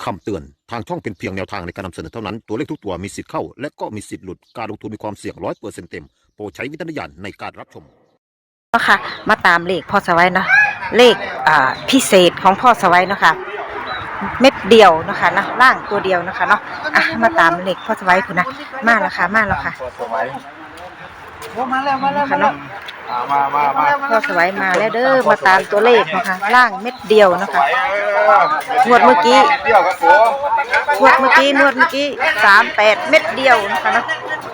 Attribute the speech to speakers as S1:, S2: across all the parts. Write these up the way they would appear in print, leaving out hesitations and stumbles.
S1: คำเตือนทางช่องเป็นเพียงแนวทางในการนำเสนอเท่านั้นตัวเลขทุกตัวมีสิทธิ์เข้าและก็มีสิทธิ์หลุดการลงทุนมีความเสี่ยง100%เต็มโปรดใช้วิจารณญาณในการรับชม
S2: เนาะค่ะมาตามเลขพ่อสวัยเนาะเลขพิเศษของพ่อสวัยเนาะค่ะเม็ดเดียวเนาะค่ะนะล่างตัวเดียวเนาะค่ะเนาะมาตามเลขพ่อสวัยคุณนะมาแล้วค่ะมาแล้วค่ะ
S3: มาแล้ว
S2: เนาะพ่อสวัยมาแล้วเด้อมาตามตัวเลขเนาะค่ะล่างเม็ดเดียวเนาะค่ะงวดเมื่อกี้38เม็ดเดียวนะคะเนาะ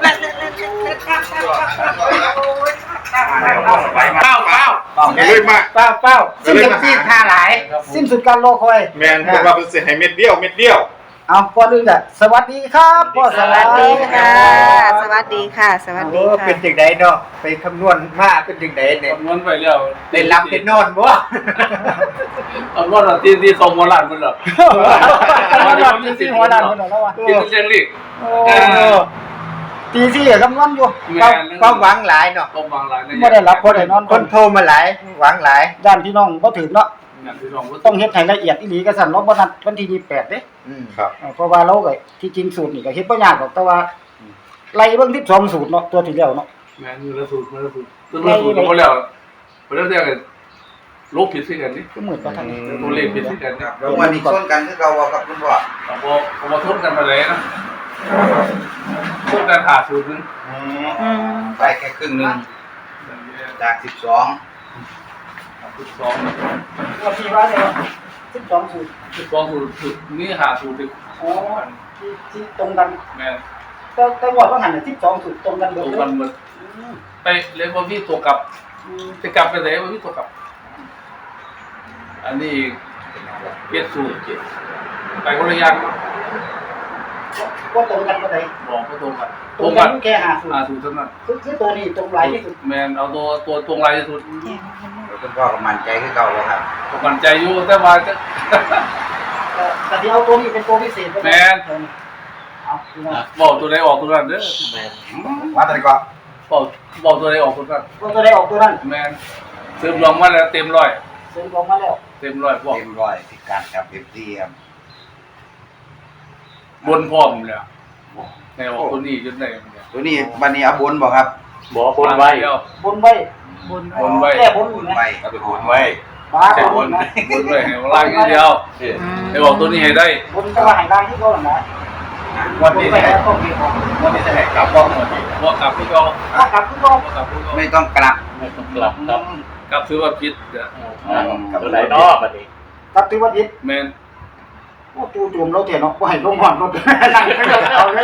S4: เป้าเลยมา
S3: เป้า
S4: สิ้นสุดที่ท่าหลาย
S3: สิ้นสุดการรอคอย
S4: แมนเป็นว่าเป็นเสียให้เม็ดเดียว
S3: เอาก่อนอื่นอ่ะสวัสดีครับพ่อสวัสดีค่ะ
S2: สวัสดีค่ะสวัสดีค่ะ
S3: เป็นจังไดเนาะไปคำนวณมาเป็นจังไดเนี่ย
S5: คำนวณไปแล้ว
S3: ได้รับได้นอนบ่
S5: คำนวณที่สองหัวล้านมันเหรอ
S3: ที่หัวล้านมันเหรอแล้ววะ
S5: ที่เชียงลีก
S3: ตีสี่คำนวณอยู่ความหวังหลายเนาะ
S5: ความหวังหลาย
S3: ไม่ได้รับบ่ได้นอนคนโทรมาหลายหวังหลายด้านพี่น้องบ่ถึงเนาะต้องเฮ็ดให้ละเอียดอีหลีก็สั่นเนาะบ่นัดวันที่28เด้
S4: ครับ
S3: เพราะว่าเราก็ที่จริงสูตรนี่ก็เฮ็ดบ่ยากหรอกแต่ว่าไล่เบิ่ง12สูตรเนาะตัวที่แล้วเนาะ
S5: แม่นอยู่แล้วสูตรก็บ่แล้วบ่แล้วแต่ลบผิดสิกันนี่
S3: ก็เหมือนกันทั้ง
S5: ตัวเลขผิดสิกันนี่
S6: แล้ววันนี้ชนกันคือเก่ากับคุณพ่อ
S5: บ่ทนกันมาเลยนะทนกันขาดสูตรนึง
S6: ไปแค่ครึ่งนึงจาก12
S3: ว่าที่ว่าเนี่ย12สูตร
S5: นี่หาสูตร
S3: อ๋อที่ตรงกัน
S5: แม่น
S3: แต่ว่าหันน่ะ12สูตรตรงกันเบิด
S5: ไปเลยบ่มีตัวกลับจะกลับไปไหนบ่มีตัวกลับอันนี้เปลี่ยนสูตรไปคนละอย่าง
S3: ก็ตรงกันบ่ได้
S5: บอกก็ตรง
S3: กันแค่5สูตร
S5: สูตรเท่านั้น
S3: คือตัวนี้ตรงหลายที่สุด
S5: แม่นเอาตัวตรงหลายที่สุด
S6: คุณพ่อก็มั่นใจคือเก่าแล้วครับ
S5: มั่นใจอยู่แต่ว่า
S3: แต่ที่เอาตัวนี้เป็นตัวพิเศษ
S5: แม่นบอกตัวใดออกตัวนั้นเด้อแม่น
S6: ว่าแต่ก็
S5: บอกตัวใดออกตัวนั้น
S3: ตัวใดออกตัวนั้น
S5: แม่นเสริมลงมาแล้วเต็มร้อย
S3: เสริมลงมาแล้ว
S5: เต็มร้อยบอก
S6: เต็มร้อยที่การกับ FT ครับ
S5: บนพร้อมแล้วในออกตัวนี้จนได้
S6: ตัวนี้วันนี้เอาบนบ่ครับ
S5: บ่บนไว้
S3: บนไว้
S6: แค่บนไว้เอาไปบนไว้
S5: ใช่บนไว้ให้ล่างอย่างเดียวให้บอกตัวนี้ให้ได้
S3: บนก็ว่าให้ล่างที่เขาน่ะ
S6: วันนี้จะให้กลับบ่วันนี้
S5: บ่กลับพี่ก็
S3: กลับพี่ก็
S6: ไม่ต้องกลับ
S5: ครับกลับถือว่าผิดเด้อกลับ
S6: ไหนเนาะบัดนี้
S3: กลับถือว่าผิด
S5: แม่น
S3: โอ้จู่ๆเราเถียงเนาะบ่ให้ลงหอนรถนั่งเอาเลย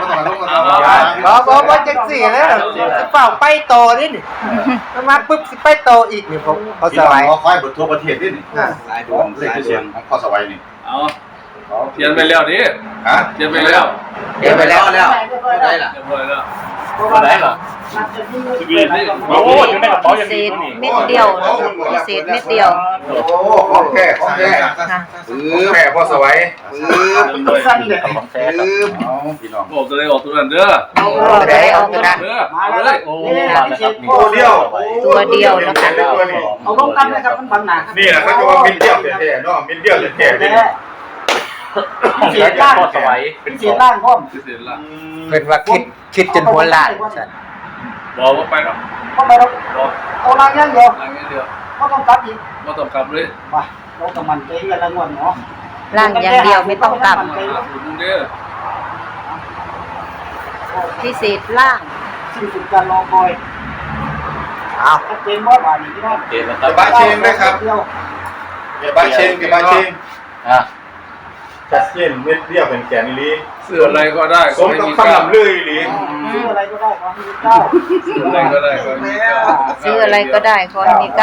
S6: บ่จังซี่เลยสิเป้าไปโตนี่มาปึ๊บสิไปโตอีกนี่ผมพอสบาย
S4: ขอค่อยเบิดทั่วประเทศนี่
S6: สายด่วน
S4: เลขเสียงของพอสบายนี่
S5: เขียนไปแล้วดิเขียนไปแล้ว
S6: ได้ล่ะ
S5: ได้ล่ะ
S2: โอ้อยู่ในกระเป๋าอย่างนี้เม็ดเดียวพิเศษเม็ดเดียว
S4: โอ้ของแค่พอสบาย
S3: สั้นเลย
S4: พี่น้อง
S5: บอกตัวใดออกตัวนั้นเด้อ
S2: ออกตัวนั้น
S5: มาเลยโอ้
S4: มาแล้วครับตัวเดียว
S2: นะคะ
S3: เอาลงกันนะครับมันบังหน้า
S4: นี่แหละเขาจะว่ามินเดียวแท้ๆเนาะมินเดียวแท้ๆนี่
S3: เสียล่างเป็นเสียล่างพร้อม
S6: เพิ่นว่าคิดจนหัวล้านซั่น
S5: บอกว่าไปหรอก
S3: เอาล่างอย่างเดียวบ่ต้องกลับอีก
S5: บ่ต้องกลับเลย
S3: ว่าเราก็มั่นใจกันละงวดเนาะ
S2: ล่างอย่างเดียวไม่ต้องกลับพิเศษล่าง
S3: สิ้นสุดการรอคอยเต็มบ่บาดนี้พี่น้อง
S4: เต็มแล้วครับบ้านเชงด้วยครับเก็บบ้านเชงชัดเจนเม็ดเดียวเป็นแกนอีหลี
S5: ซื้ออะไรก็ได้
S4: สมกับคำนำเลยอีหลี
S3: ซื้ออะไรก็ได้ขอให้มี9
S5: ซื้ออะไรก็ได้
S2: ซื้ออะไรก็ได้ขอให้มี9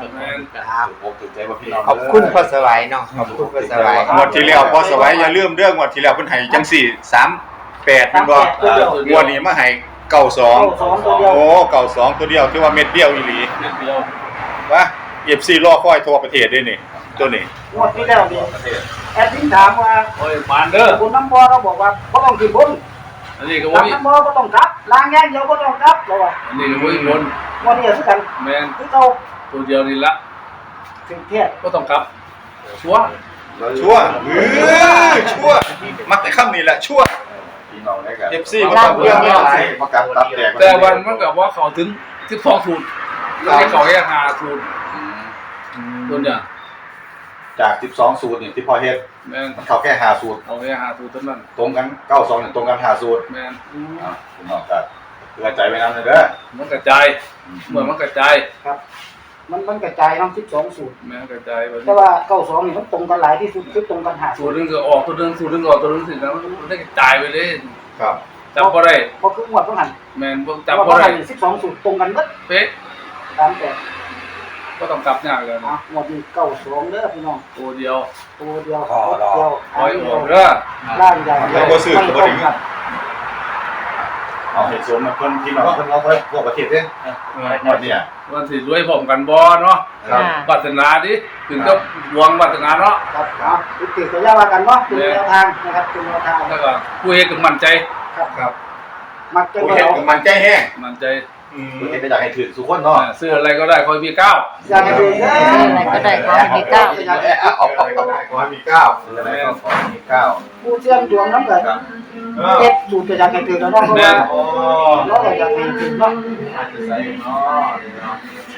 S6: ขอบคุณพ่อสวัยเนาะขอบคุณพ่อสวัย
S4: งวดที่แล้วพ่อสวัยอย่าลืมเรื่องงวดที่แล้วเพิ่นให้จังซี่38เพิ่นบ่งวดนี้มาให้92โอ้92ตัวเดียวที่ว่าเม็ดเดียวอีหลีวะ FC รอคอยทั่วประเทศด้วยนี่ตัวนี้
S3: งวดที่แล้วนี่แอดมินถามว่า
S5: โอ้ยมานเด้อ
S3: คุณน้ำบ่เราบอกว่าบ่ต้องขึ้นบน
S5: อันนี้ก็บ่มี
S3: น้ำบ่ต้องกลับล้างแย่งเดียวบ่ต้องกลับเราว่า
S5: อันนี้ก็บ่มีบน
S3: วันนี้คือกัน
S5: แม่น
S3: คือเก่า
S5: ตัวเดียวนี่ละ
S3: ถึงเที่ย
S5: บ่ต้องกลับชัวร์
S4: ชั่วชั่วมักแต่คำนี้แหละชั่ว
S7: พี่น้องได้กัน
S4: FC บ่ต้องเรื่องไม่หลาย
S7: มากับตับแตก
S5: แต่วันมันกับว่าเขาถึง12สูตรแล้วให้เขาแค่5สูตรตัวเนี่ย
S7: จาก12สูตรนี่ที่พ่อเฮ็ด
S5: แม่น
S7: มันเข้าแค่5สูตร
S5: เอาแค่5สูตรเท่านั้น
S7: ตรงกัน92เนี่ยตรงกัน5สูตร
S5: แม่น
S7: พี่น้องก็เพื่อใจไว้นำเลยเด้อ
S5: มันกระจายเหมือนมันกระจาย
S3: ครับ มันกระจายทั้ง12สูตร
S5: แม่นกระจายแบบ
S3: แต่ว่า92นี่มันตรงกันหลายที่สุดคือตรงกัน5
S5: สูตรนึงก็ออกตัวนึงสูตรนึงออกตัวนึงสิแล้วมันได้กระจายไปเลย
S7: ครับ
S5: จำบ่ได้
S3: เพราะคืองวดต้องหัน
S5: แม่นบ่
S3: แต่
S5: จำ
S3: ว่า
S5: บ่ได้
S3: 12สูตรตรงกันหมด
S5: เป๊ะ
S3: ตามแต่
S5: ก็ต้องกลับยากเลย
S3: อ่ะงวดนี้92เด้อพี่น้อง
S5: ตัวเดียว
S3: ตัวเดียวเดียว
S5: ปล่อยออกเด้อ
S3: ล่างใหญ่
S4: แล้วบ่ซื้อก็บ่ถึง
S7: เอาเหตุผลมาเพิ่นพี่น้องเพิ่นเอาไว้ทั่วประเทศเด้หมดเนี่ย
S5: วันสิรวยพร้อมกันบ่เนาะ
S7: ครับ
S5: ปรารถนาดิถึงก็หวังปรารถนาเนาะ
S3: ครับครับติดตัวยาว่ากันเนาะเป็นแนวทางนะครับเป็นแนวทาง
S5: แล้วก็ผู้เฮ็ดก็มั่นใจ
S7: ครับ
S3: มักจะ
S4: ผู้
S3: บ่
S4: เฮ็ด
S3: เอา
S4: ก็มันใจแห้ง
S5: มั่นใจ
S7: ผู้เฮ็ดก็อยากให้ถือทุกคนเนาะ
S5: ซื้ออะไรก็ได้คอยมีก้าว
S3: อยากให้ดูเด้อ
S2: อะไรก็ได้ขอให้มีเก้า
S3: อยากให้
S7: ขอให้มี9คืออะไรก็ขอให้มี9
S3: ผู้เชี่ยงดวงน้ำเกิดเฮ็ดดูจะอยากให้ถึงแล้วเนาะเพราะว่า
S7: โอ้
S3: เราก็อยากให้ถึงเนาะ
S7: อาจจะใส่เนาะ